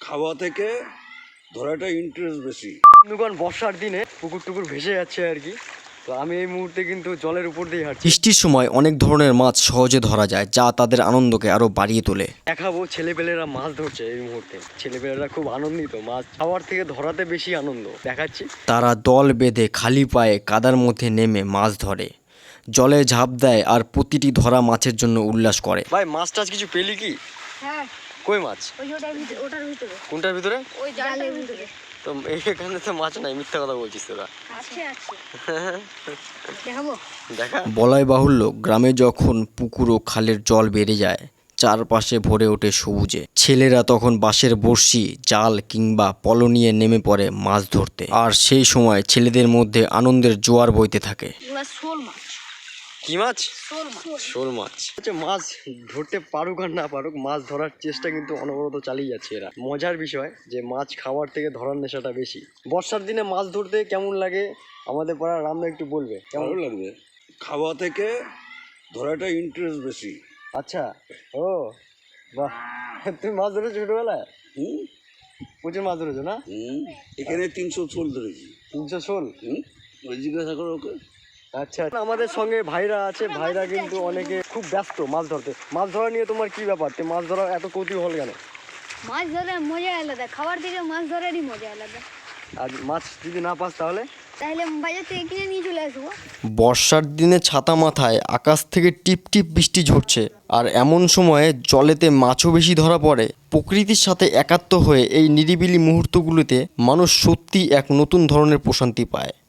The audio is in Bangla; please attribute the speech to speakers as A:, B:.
A: খাওয়া থেকে ধরাটা ইন্টারেস্ট বেশি।
B: বন্ধুগণ, বর্ষার দিনে পুকুর টুকুর ভেসে যাচ্ছে আর কি। তো আমি এই মুহূর্তে কিন্তু জলের উপর দিয়ে হাঁটছি।
C: বৃষ্টির সময় অনেক ধরনের মাছ সহজে ধরা যায়, যা তাদের আনন্দকে আরো বাড়িয়ে তোলে।
B: দেখাবো ছেলেপেলেরা মাছ ধরছে এই মুহূর্তে। ছেলেপেলেরা খুব আনন্দিত, মাছ খাওয়ার থেকে ধরাতে বেশি আনন্দ দেখাচ্ছি।
C: তারা দল বেঁধে খালি পায়ে কাদার মধ্যে নেমে মাছ ধরে, জলে ঝাঁপ দেয় আর প্রতিটি ধরা মাছের জন্য উল্লাস করে।
B: ভাই, মাছ টাছ কিছু পেলি কি?
D: হ্যাঁ,
B: কই মাছ?
D: ওটার ভিতরে।
B: কোনটার ভিতরে?
D: ওই জালের ভিতরে।
B: তো এখানে তো মাছ নাই, মিথ্যা কথা বলছিস তোরা।
D: আছে। দেখাবো?
B: দেখা।
C: বলাই বাহুল্য, গ্রামে যখন পুকুর ও খালের জল বেড়ে যায়, চারপাশে ভরে ওঠে সবুজে। ছেলেরা তখন বাঁশের বড়শি, জাল কিংবা পলো নিয়ে নেমে পড়ে মাছ ধরতে। আর সেই সময় ছেলেদের মধ্যে আনন্দের জোয়ার বইতে থাকে।
D: ওগুলা শোল মাছ।
B: কি মাছ?
D: শোল মাছ।
B: শোল মাছ। আচ্ছা, মাছ ধরতে পারুক আর না পারুক, মাছ ধরার চেষ্টা কিন্তু অনবরত চালিয়ে যাচ্ছে এরা। মজার বিষয় যে মাছ খাওয়ার থেকে ধরার নেশাটা বেশি। বর্ষার দিনে মাছ ধরতে কেমন লাগে আমাদের পাড়ার রামদা একটু বলবে।
A: ভালো লাগবে, খাওয়া থেকে ধরাটা ইন্টারেস্ট বেশি।
B: আচ্ছা, ও বাহ, তুমি মাছ ধরেছো ছোটবেলায়?
A: হুম
B: প্রচুর মাছ ধরেছো না?
A: হুম এখানে 300 শোল ধরেছি।
B: 300 শোল?
A: ওই জিজ্ঞাসা করো ওকে।
B: আচ্ছা, আমাদের সঙ্গে ভাইরা আছে। ভাইরা কিন্তু অনেকে খুব ব্যস্ত মাছ ধরতে। মাছ ধরা নিয়ে তোমার কি ব্যাপার? মাছ ধরা এত কৌতূহল কেন?
D: মাছ ধরার মজা আলাদা, খাবার থেকে মাছ ধরারই মজা আলাদা।
B: আর মাছ যদি না পাস তাহলে?
D: তাহলে বাজার থেকে কিনে নিয়ে চলে আসবো।
C: বর্ষার দিনে ছাতা মাথায় আকাশ থেকে টিপ টিপ বৃষ্টি ঝরছে, আর এমন সময়ে জলেতে মাছও বেশি ধরা পড়ে। প্রকৃতির সাথে একাত্ম হয়ে এই নিরিবিলি মুহূর্তগুলোতে মানুষ সত্যি এক নতুন ধরনের প্রশান্তি পায়।